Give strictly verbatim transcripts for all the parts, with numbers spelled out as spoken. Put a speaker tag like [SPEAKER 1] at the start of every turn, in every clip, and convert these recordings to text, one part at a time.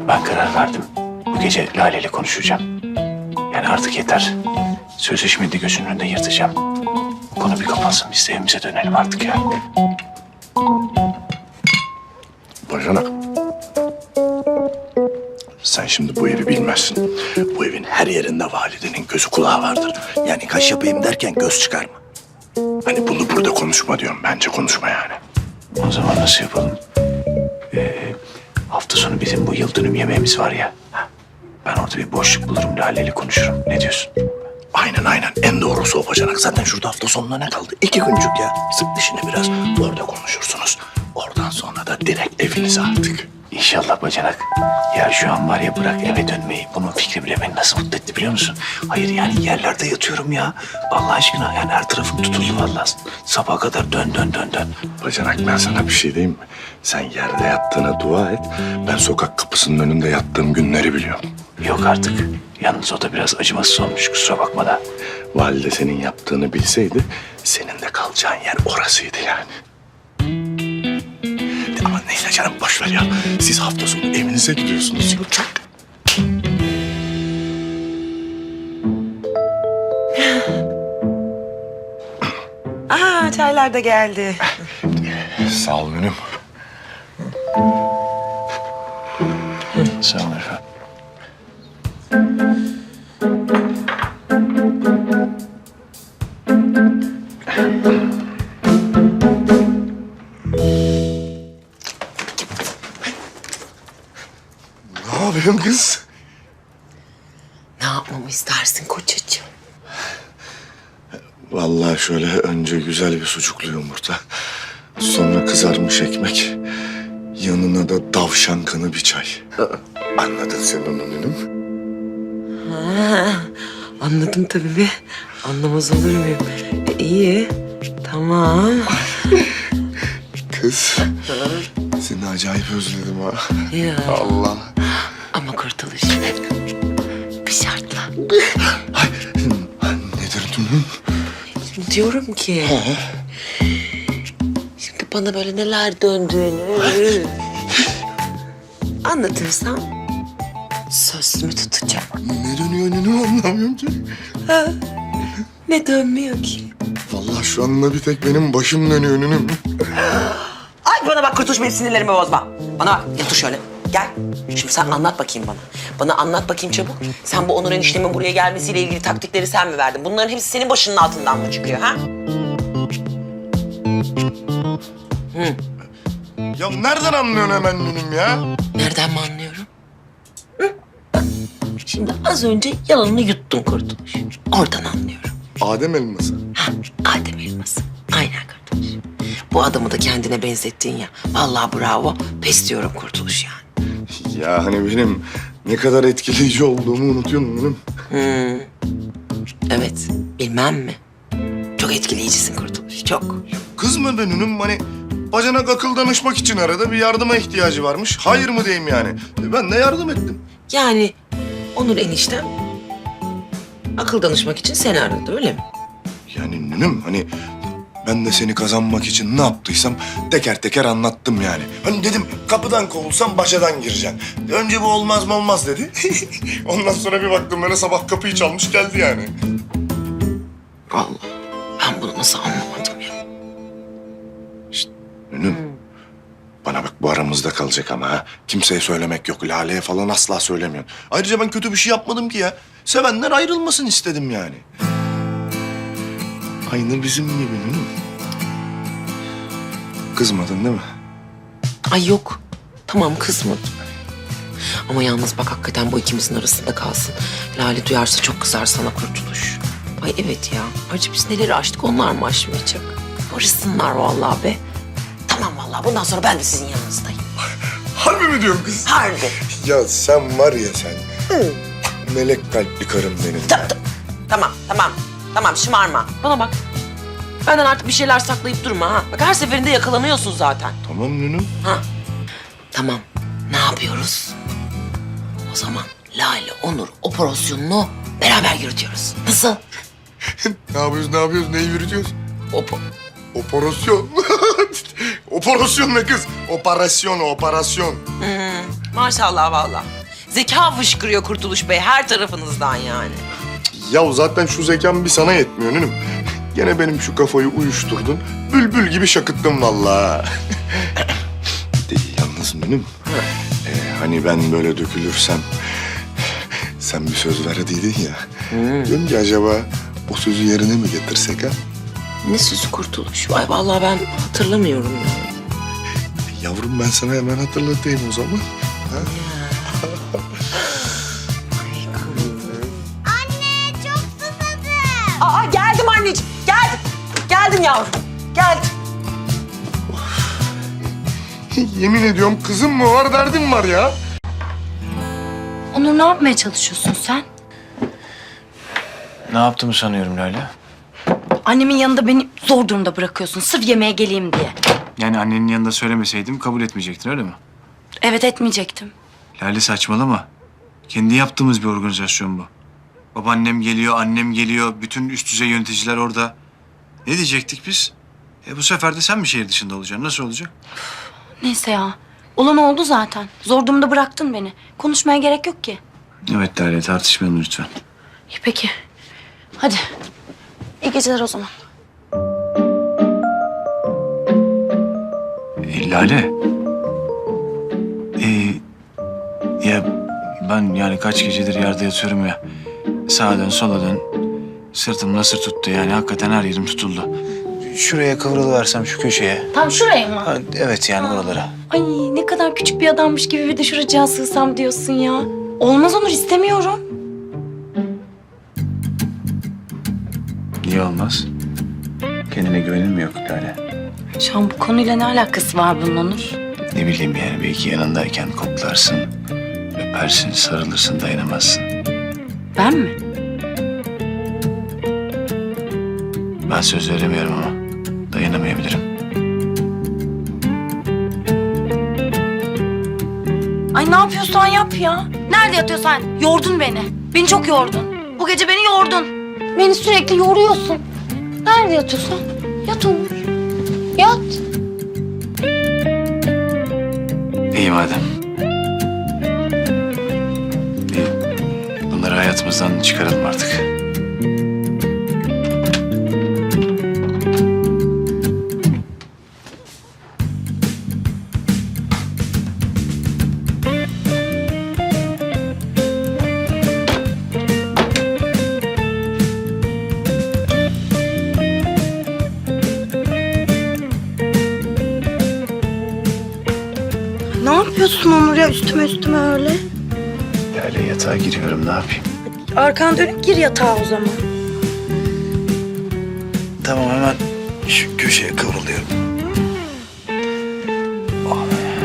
[SPEAKER 1] Ben karar verdim. Bu gece Lale ile konuşacağım. Yani artık yeter. Sözleşmeyi de gözünün önünde yırtacağım. Konu bir kapansın, biz de evimize dönelim artık ya.
[SPEAKER 2] Bacanak. Sen şimdi bu evi bilmezsin. Bu evin her yerinde validenin gözü kulağı vardır. Yani kaş yapayım derken göz çıkarma. Hani bunu burada konuşma diyorum. Bence konuşma yani.
[SPEAKER 1] O zaman nasıl yapalım? Ee, hafta sonu bizim bu yıl dönüm yemeğimiz var ya. Ben orada bir boşluk bulurum, Lale ile konuşurum. Ne diyorsun?
[SPEAKER 2] Aynen aynen. En doğrusu o bacanak. Zaten şurada hafta sonuna ne kaldı? İki güncük ya. Sık dişini biraz. Orada konuşursunuz. Oradan sonra da direkt evinize artık.
[SPEAKER 1] İnşallah bacanak. Ya şu an var ya, bırak eve dönmeyi. Bunun fikri bile beni nasıl mutlu etti biliyor musun? Hayır yani yerlerde yatıyorum ya. Allah aşkına yani her tarafım tutuldu vallahi. Sabaha kadar dön dön dön dön.
[SPEAKER 2] Bacanak, ben sana bir şey diyeyim mi? Sen yerde yattığına dua et. Ben sokak kapısının önünde yattığım günleri biliyorum.
[SPEAKER 1] Yok artık. Yalnız o da biraz acımasız olmuş, kusura bakma da.
[SPEAKER 2] Valide senin yaptığını bilseydi senin de kalacağın yer orasıydı yani. Ama neyse canım, boş ver ya. Siz hafta sonu evinize gidiyorsunuz. Çok.
[SPEAKER 3] Aa, çaylar da geldi.
[SPEAKER 2] Sağ ol Münüm.
[SPEAKER 1] Sağ olun efendim.
[SPEAKER 2] Ne yapıyorsun kız?
[SPEAKER 3] Ne yapmamı istersin kocacığım?
[SPEAKER 2] Vallahi şöyle önce güzel bir sucuklu yumurta. Sonra kızarmış ekmek. Yanına da davşan kanı bir çay. Anladın sen onu Münüm.
[SPEAKER 3] Ha, anladım tabii be. Anlamaz olur muyum? E, iyi. Tamam.
[SPEAKER 2] Kız, seni acayip özledim ha.
[SPEAKER 3] Ya.
[SPEAKER 2] Allah.
[SPEAKER 3] Ama kurtuluş. Bir şartla.
[SPEAKER 2] Ay, nedir Münüm?
[SPEAKER 3] Şimdi diyorum ki... Şimdi bana böyle neler döndüğünü... anlatırsam... sözümü tutacağım.
[SPEAKER 2] Ne dönüyor Münüm, anlamıyorum ki.
[SPEAKER 3] Ha, ne dönmüyor ki?
[SPEAKER 2] Vallahi şu anda bir tek benim başım dönüyor Münüm.
[SPEAKER 3] Ay bana bak kurtuluş, benim sinirlerimi bozma. Bana bak, yatır şöyle. Gel. Şimdi sen anlat bakayım bana. Bana anlat bakayım çabuk. Sen bu Onur eniştemin buraya gelmesiyle ilgili taktikleri sen mi verdin? Bunların hepsi senin başının altından mı çıkıyor ha?
[SPEAKER 2] Ya nereden anlıyorsun hemen Münüm ya?
[SPEAKER 3] Nereden mi anlıyorum? Hı? Bak, şimdi az önce yalanını yuttun kurtuluş. Oradan anlıyorum.
[SPEAKER 2] Adem elması.
[SPEAKER 3] Ha, Adem elması. Aynen kurtuluş. Bu adamı da kendine benzettin ya. Vallahi bravo. Pes diyorum kurtuluş yani.
[SPEAKER 2] Ya hani benim ne kadar etkileyici olduğumu unutuyorsun Münüm.
[SPEAKER 3] Hmm. Evet, bilmem mi? Çok etkileyicisin kurtuluş, çok.
[SPEAKER 2] Kız mı be Münüm? Hani bacanak akıl danışmak için arada bir yardıma ihtiyacı varmış. Hayır mı diyeyim yani? E ben de yardım ettim.
[SPEAKER 3] Yani Onur eniştem akıl danışmak için seni aradı, öyle mi?
[SPEAKER 2] Yani Münüm hani ben de seni kazanmak için ne yaptıysam teker teker anlattım yani. Hani dedim kapıdan kovulsam başadan gireceksin. Önce bu olmaz mı olmaz dedi. Ondan sonra bir baktım böyle sabah kapıyı çalmış geldi yani.
[SPEAKER 3] Vallahi ben bunu nasıl anlamadım ya?
[SPEAKER 2] Münüm bana bak, bu aramızda kalacak ama ha. Kimseye söylemek yok. Lale'ye falan asla söylemiyorsun. Ayrıca ben kötü bir şey yapmadım ki ya. Sevenler ayrılmasın istedim yani. Aynı bizim gibi Münüm. Kızmadın değil mi?
[SPEAKER 3] Ay yok, tamam kızmadım. Ama yalnız bak hakikaten bu ikimizin arasında kalsın. Lale duyarsa çok kızar sana kurtuluş. Ay evet ya, acı biz neleri aştık, onlar mı aşmayacak? Barışsınlar vallahi be. Tamam vallahi, bundan sonra ben de sizin yanınızdayım.
[SPEAKER 2] Harbi mi diyorsun kız?
[SPEAKER 3] Harbi.
[SPEAKER 2] Ya sen var ya sen. Melek kalpli karım benim.
[SPEAKER 3] Ta- ta- Tamam, tamam. Tamam, şımarma. Bana bak. Benden artık bir şeyler saklayıp durma ha. Bak her seferinde yakalanıyorsun zaten.
[SPEAKER 2] Tamam Münüm.
[SPEAKER 3] Ha. Tamam. Ne yapıyoruz? O zaman Lale, Onur operasyonunu beraber yürütüyoruz. Nasıl?
[SPEAKER 2] Ne yapıyoruz, ne yapıyoruz, neyi yürütüyoruz?
[SPEAKER 3] Opo.
[SPEAKER 2] Operasyon. Operasyon ne kız? Operasyon, operasyon.
[SPEAKER 3] Hmm, maşallah vallahi. Zeka fışkırıyor Kurtuluş Bey her tarafınızdan yani.
[SPEAKER 2] Ya zaten şu zekam bir sana yetmiyor Nünüm. Gene benim şu kafayı uyuşturdun. Bülbül gibi şakıttın vallahi. De, yalnız Nünüm. Ee, hani ben böyle dökülürsem... Sen bir söz verdiydin ya.
[SPEAKER 3] Hmm.
[SPEAKER 2] Diyorum ki acaba o sözü yerine mi getirsek ha?
[SPEAKER 3] Ne sözü Kurtuluş? Ay vallahi ben hatırlamıyorum ya.
[SPEAKER 2] Yavrum ben sana hemen hatırlatayım o zaman. Ha?
[SPEAKER 3] Aa geldim anneciğim, geldim. Geldim yavrum, geldim.
[SPEAKER 2] Yemin ediyorum kızım mı var derdim var ya.
[SPEAKER 4] Onur ne yapmaya çalışıyorsun sen?
[SPEAKER 1] Ne yaptığımı sanıyorum Lale?
[SPEAKER 4] Annemin yanında beni zor durumda bırakıyorsun sırf yemeğe geleyim diye.
[SPEAKER 1] Yani annenin yanında söylemeseydim kabul etmeyecektin öyle mi?
[SPEAKER 4] Evet etmeyecektim.
[SPEAKER 1] Lale saçmalama. Kendi yaptığımız bir organizasyon bu. Babaannem geliyor, annem geliyor, bütün üst düzey yöneticiler orada. Ne diyecektik biz? E bu sefer de sen mi şehir dışında olacaksın? Nasıl olacak?
[SPEAKER 4] Neyse ya. Olan oldu zaten. Zor durumda bıraktın beni. Konuşmaya gerek yok ki.
[SPEAKER 1] Evet Lale, tartışmayalım lütfen.
[SPEAKER 4] İyi peki. Hadi. İyi geceler o zaman.
[SPEAKER 1] E, Lale. E, ya ben yani kaç gecedir yerde yatıyorum ya. Sağa dön, sola dön. Sırtım nasır tuttu yani. Hakikaten her yerim tutuldu. Şuraya kıvrılıversem şu köşeye.
[SPEAKER 4] Tam şuraya mı?
[SPEAKER 1] Ha, evet yani oralara.
[SPEAKER 4] Ay ne kadar küçük bir adammış gibi bir de şuracığa sığsam diyorsun ya. Olmaz Onur istemiyorum.
[SPEAKER 1] Niye olmaz? Kendine güvenin mi yok Lale?
[SPEAKER 4] Şu an bu konuyla ne alakası var bunun Onur?
[SPEAKER 1] Ne bileyim yani belki yanındayken koklarsın, öpersin, sarılırsın, dayanamazsın.
[SPEAKER 4] Ben mi?
[SPEAKER 1] Ben söz veremiyorum ama dayanamayabilirim.
[SPEAKER 4] Ay ne yapıyorsan yap ya. Nerede yatıyorsan? Yordun beni. Beni çok yordun. Bu gece beni yordun. Beni sürekli yoruyorsun. Nerede yatıyorsan? Yat Onur. Yat.
[SPEAKER 1] İyi madem. İyi. Bunları hayatımızdan çıkaralım artık.
[SPEAKER 4] Ne yapıyorsun Onur ya üstüme üstüme öyle?
[SPEAKER 1] Lale yatağa giriyorum ne yapayım?
[SPEAKER 4] Arkan dönüp gir yatağa o zaman.
[SPEAKER 1] Tamam hemen şu köşeye kıvrılıyorum. Oh.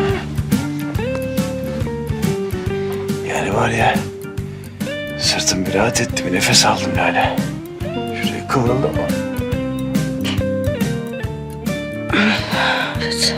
[SPEAKER 1] Yani var ya sırtım bir rahat etti bir nefes aldım Lale. Şuraya kıvrıldım ama.
[SPEAKER 4] Evet.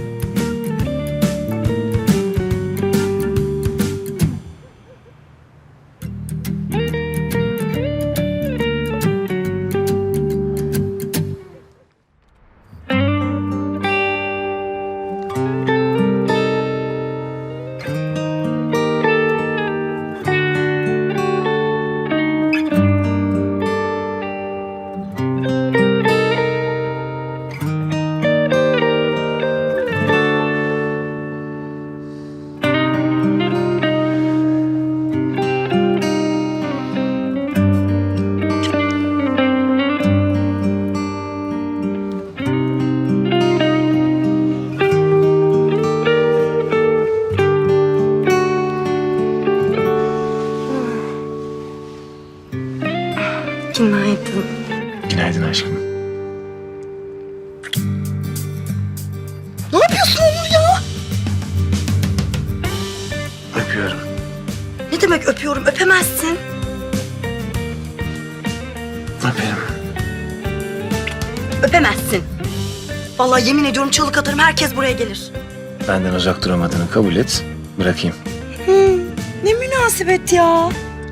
[SPEAKER 4] Günaydın.
[SPEAKER 1] Günaydın aşkım.
[SPEAKER 4] Ne yapıyorsun Onur ya?
[SPEAKER 1] Öpüyorum.
[SPEAKER 4] Ne demek öpüyorum? Öpemezsin.
[SPEAKER 1] Öperim.
[SPEAKER 4] Öpemezsin. Vallahi yemin ediyorum çalık atarım herkes buraya gelir.
[SPEAKER 1] Benden uzak duramadığını kabul et. Bırakayım.
[SPEAKER 4] Ne münasebet ya.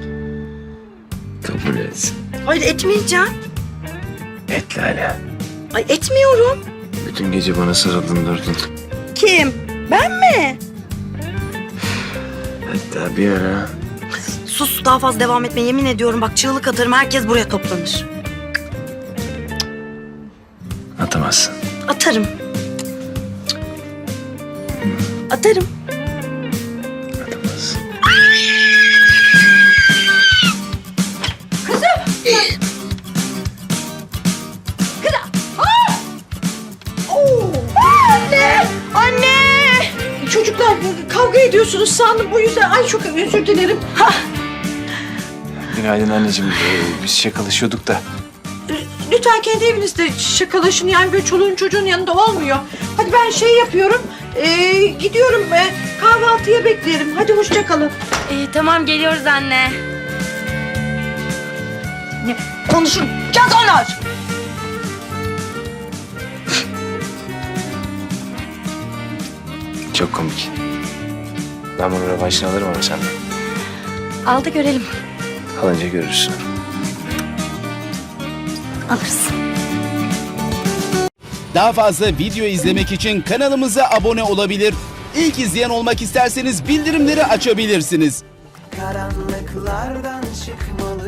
[SPEAKER 1] Kabul et.
[SPEAKER 4] Hayır etmeyeceğim.
[SPEAKER 1] Et Lale.
[SPEAKER 4] Ay etmiyorum.
[SPEAKER 1] Bütün gece bana sarıldın durdun.
[SPEAKER 4] Kim? Ben mi?
[SPEAKER 1] Hatta bir ara...
[SPEAKER 5] Sus, daha fazla devam etme, yemin ediyorum bak çığlık atarım, herkes buraya toplanır.
[SPEAKER 1] Atamazsın.
[SPEAKER 5] Atarım. Atarım.
[SPEAKER 1] Atamazsın.
[SPEAKER 6] Anne! Çocuklar kavga ediyorsunuz sandım bu yüzden. Ay çok özür dilerim. Ha,
[SPEAKER 1] Günaydın anneciğim. Ee, biz şakalaşıyorduk da.
[SPEAKER 6] lütfen kendi evinizde şakalaşın. Yani böyle çoluğun çocuğun yanında olmuyor. Hadi ben şey yapıyorum. ee, gidiyorum. ee, kahvaltıya beklerim. Hadi hoşça kalın.
[SPEAKER 4] Ee, tamam geliyoruz anne.
[SPEAKER 5] Konuşacağız onlar.
[SPEAKER 1] Çok komik. Ben bunu rövanşını alırım ama senden.
[SPEAKER 4] Al da görelim.
[SPEAKER 1] Alınca görürsün.
[SPEAKER 5] Alırız.
[SPEAKER 7] Daha fazla video izlemek için kanalımıza abone olabilir. İlk izleyen olmak isterseniz bildirimleri açabilirsiniz.
[SPEAKER 8] Karanlıklardan çıkmalı